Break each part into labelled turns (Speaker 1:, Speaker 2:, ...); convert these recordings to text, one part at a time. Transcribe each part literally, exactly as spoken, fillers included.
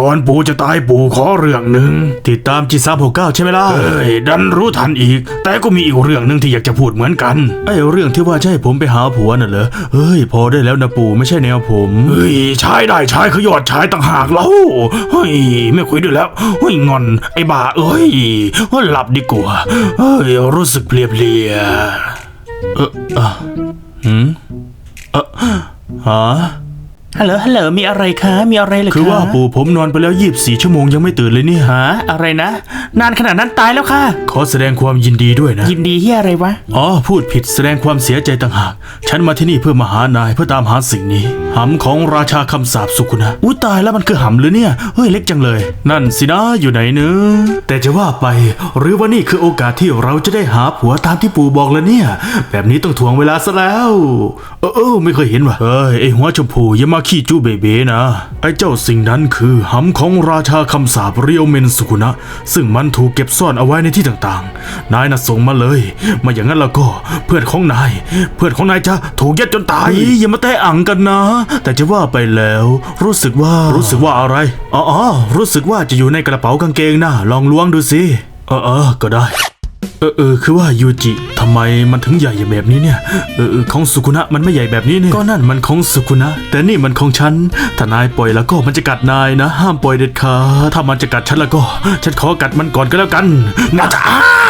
Speaker 1: ก่อนปู่จะตายปู่ขอเรื่องหนึ่งติดตามจีสามหกเก้าใช่ไหมล่ะเอ้ยดันรู้ทันอีกแต่ก็มีอีกเรื่องหนึ่งที่อยากจะพูดเหมือนกันไอ้เรื่องที่ว่าจะให้ผมไปหาผัวน่ะเหรอเฮ้ยพอได้แล้วนะปู่ไม่ใช่แนวผมเฮ้ยชายได้ชายขยอดชายต่างหากแล้วเฮ้ยไม่คุยด้วยแล้วเฮ้ยงอนไอ้บ้าเอ้ยหลับดีกว่าเฮ้ยรู้สึกเพลียเพลียเอออ่ะหืมเออฮะ
Speaker 2: ฮัลโหลฮัลโหลมีอะไรคะมีอะไรเหรอคะ
Speaker 1: คือว่าปู่ผมนอนไปแล้วยี่สิบสี่ชั่วโมงยังไม่ตื่นเลยเนี่ย
Speaker 2: ฮะอะไรนะนานขนาดนั้นตายแล้วค่ะ
Speaker 1: ขอแสดงความยินดีด้วยนะ
Speaker 2: ยินดีที่อะไรวะ
Speaker 1: อ๋อพูดผิดแสดงความเสียใจต่างหากฉันมาที่นี่เพื่อมาหานายเพื่อตามหาสิ่งนี้หำของราชาคำสาปสุกุนะอุ้ยตายแล้วมันคือหำหรือเนี่ยเฮ้ยเล็กจังเลยนั่นสินะอยู่ไหนเนื้อแต่จะว่าไปหรือว่านี่คือโอกาสที่เราจะได้หาผัวตามที่ปู่บอกแล้วเนี่ยแบบนี้ต้องถ่วงเวลาซะแล้วเออเออไม่เคยเห็นว่ะเฮ้ยไอหัวชมพูอย่ามาขี้จู้เบเบ้นะไอ้เจ้าสิ่งนั้นคือหำของราชาคำสาปเรียวเมนสุกุนะซึ่งมันถูกเก็บซ่อนเอาไว้ในที่ต่างๆนายน่ะส่งมาเลยมาอย่างนั้นแล้วก็เพื่อนของนายเพื่อนของนายจะถูกยัดจนตายอย่ามาแตะอังกันนะแต่จะว่าไปแล้วรู้สึกว่ารู้สึกว่าอะไรอ๋อรู้สึกว่าจะอยู่ในกระเป๋ากางเกงนะลองล้วงดูสิเออเออก็ได้เออเออคือว่ายูจิทำไมมันถึงใหญ่อย่างแบบนี้เนี่ยเออเออของสุกุนะมันไม่ใหญ่แบบนี้เนี่ยก็นั่นมันของสุกุนะแต่นี่มันของฉันถ้านายปล่อยแล้วก็มันจะกัดนายนะห้ามปล่อยเด็ดขาดถ้ามันจะกัดฉันแล้วก็ฉันขอกัดมันก่อนก็แล้วกันนะจ๊ะ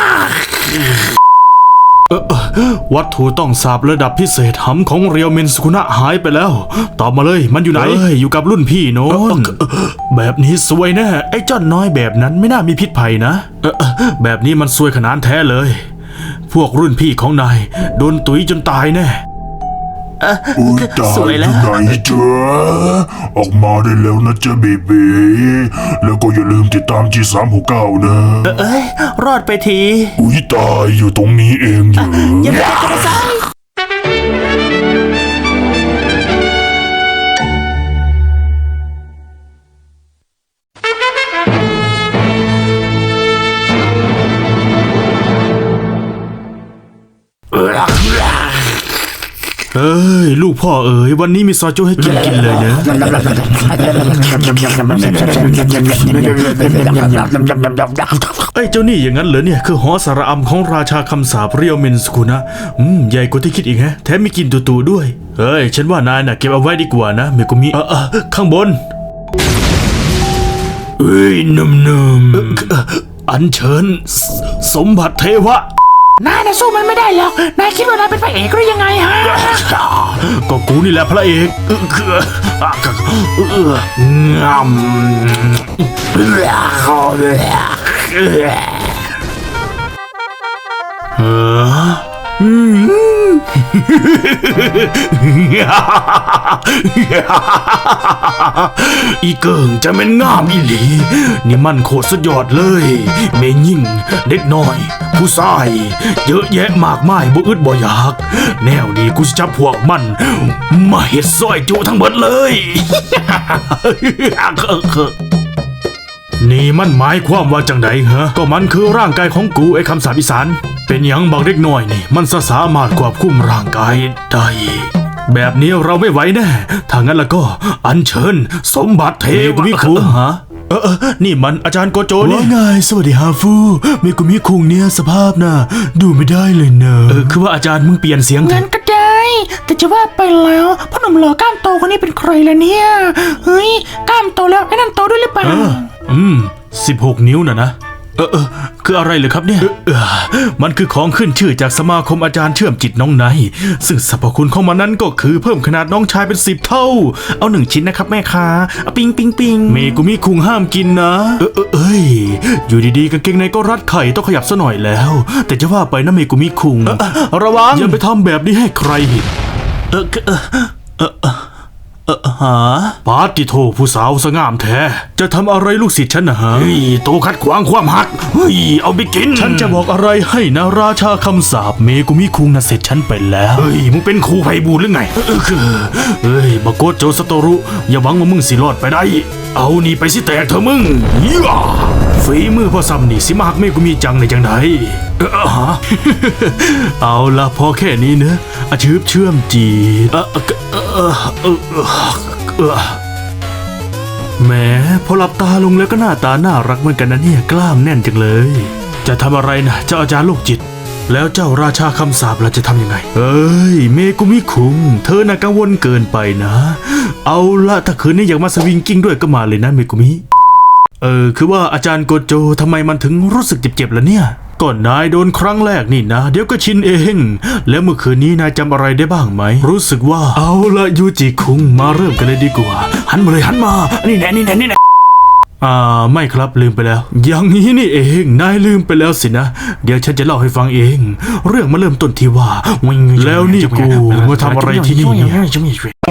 Speaker 1: วัตถุต้องสาบระดับพิเศษหำของเรียวเมนสุกุนะหายไปแล้วตอบมาเลยมันอยู่ไหนอยู่กับรุ่นพี่โน้นแบบนี้ซวยแน่ไอ้จ้อนน้อยแบบนั้นไม่น่ามีพิษภัยนะแบบนี้มันซวยขนาดแท้เลยพวกรุ่นพี่ของนายโดนตุ๋ยจนตายแน่
Speaker 3: อุ้ยตายอยู่ไหนจ๊ะออกมาได้แล้วนะจ๊ะเบบีแล้วก็อย่าลืมติดตามจีสามหกเก้านะ
Speaker 2: เอ้ยรอดไปที
Speaker 3: อุ้ยตายอยู่ตรงนี้เองอยู่
Speaker 2: อย่าไปกระซ้าย
Speaker 1: เอ้ยลูกพ่อเอ๋ยวันนี้มีซอยจุให้กินกินเลยเนอะไอ้เจ้านี่อย่างนั้นเหรอเนี่ยคือหอสาระอำของราชาคำสาปเรียวเมนสกุนะอืมใหญ่กว่าที่คิดอีกฮะแถมมีกินตูๆด้วยเฮ้ยฉันว่านายน่ะเก็บเอาไว้ดีกว่านะเมกุมิเออเออข้างบนเอ้ยนุ่มๆอัญเชิญสมบัติเทวะ
Speaker 2: นายน่ะสู้มันไม่ได้หรอกนายคิดว่านายเป็นพระเอกหรือยังไงฮะ
Speaker 1: ก็กูนี่แหละพระเอกเออคือเอองามเอออีเกิงจะเป็นงามอีหลีนี่มันโคตรสุดยอดเลยเมยิ่งเด็กน้อยผู้ชายเยอะแยะมากมายบ่อึดบ่อยากแนวนี้กูจะจับพวกมันมาเฮ็ดซอยจุทั้งหมดเลยนี่มันหมายความว่าจังไดเหรอก็มันคือร่างกายของกูไอ้คำสาปอีสานเป็นหยังบางเด็กน้อยนี่มันสามารถควบคุมร่างกายได้แบบนี้เราไม่ไหวแน่ถ้างั้นแล้วก็อัญเชิญสมบัติเทวะมิคุฮะเออเออนี่มันอาจารย์โกโจนี่ว่าไงสวัสดีฮาฟูเมกุมิคุงเนี่ยสภาพน่ะดูไม่ได้เลยเนอะเออคือว่าอาจารย์มึงเปลี่ยนเสียง
Speaker 2: งั้นก็ได้แต่จะว่าไปแล้วพ่อหนุ่มหล่อกล้ามโตคนนี้เป็นใครล่ะเนี่ยเฮ้ยกล้ามโตแล้วไอ้นั่นโตด้วยหรือเปล่า
Speaker 1: อืมสิบหกนิ้วน่ะนะเออเออคืออะไรเลยครับเนี่ยเออมันคือของขึ้นชื่อจากสมาคมอาจารย์เชื่อมจิตน้องไนซึ่งสรรพคุณของมันนั้นก็คือเพิ่มขนาดน้องชายเป็นสิบเท่าเอาหนึ่งชิ้นนะครับแม่ค้าปิงปิงปิงเมกุมิคุงห้ามกินนะเออเออเอ้ยอยู่ดีๆกางเกงในก็รัดไข่ต้องขยับซะหน่อยแล้วแต่จะว่าไปนะเมกุมิคุงระวังอย่าไปทำแบบนี้ให้ใครเห็นเออเออเออเออเออฮะปาติโทผู้สาวสง่ามแท้จะทำอะไรลูกศิษย์ฉันนะฮะเฮ้ยโตขัดขวางความหักเฮ้ยเอาไปกินฉันจะบอกอะไรให้นะราชาคำสาปเมกุมิคุงนะเสร็จฉันไปแล้วเฮ้ยมึงเป็นครูไพบูลย์หรือไงเออคือเฮ้ยบาโกโจสโตรุอย่าหวังว่ามึงสิรอดไปได้เอานี่ไปสิแตกเถอะมึงย่าฝีมือพ่อซ้ำนี่สิมาหักเมกุมิจังในจังไหนเออฮะเอาละพอแค่นี้เนอะอาชืบเชื่อมจีเออเออเออเออแหมพอหลับตาลงแล้วก็หน้าตาน่ารักเหมือนกันนะเนี่ยกล้ามแน่นจังเลย จะทำอะไรนะเจ้าอาจารย์โรคจิต แล้วเจ้าราชาคำสาปล่ะจะทำยังไงเอ้ยเมกุมิคุงเธอน่ะกังวลเกินไปนะ เอาละถ้าคืนนี้อยากมาสวิงกิ้งด้วยก็มาเลยนะเมกุมิเออคือว่าอาจารย์โกโจทำไมมันถึงรู้สึกเจ็บๆล่ะเนี่ยก่อนนายโดนครั้งแรกนี่นะเดี๋ยวก็ชินเอง แล้วเมื่อคืนนี้นายจำอะไรได้บ้างไหมรู้สึกว่าเอาละยูจิคุงมาเริ่มกันเลยดีกว่าหันมาเลยหันมานี่แน่นี่แน่นี่แน่อ่าไม่ครับลืมไปแล้ว อย่างนี้นี่เองนายลืมไปแล้วสินะ เดี๋ยวฉันจะเล่าให้ฟังเอง เรื่องมาเริ่มต้นที่ว่าแล้วนี่กูมาทำอะไรที่นี่เนี่ย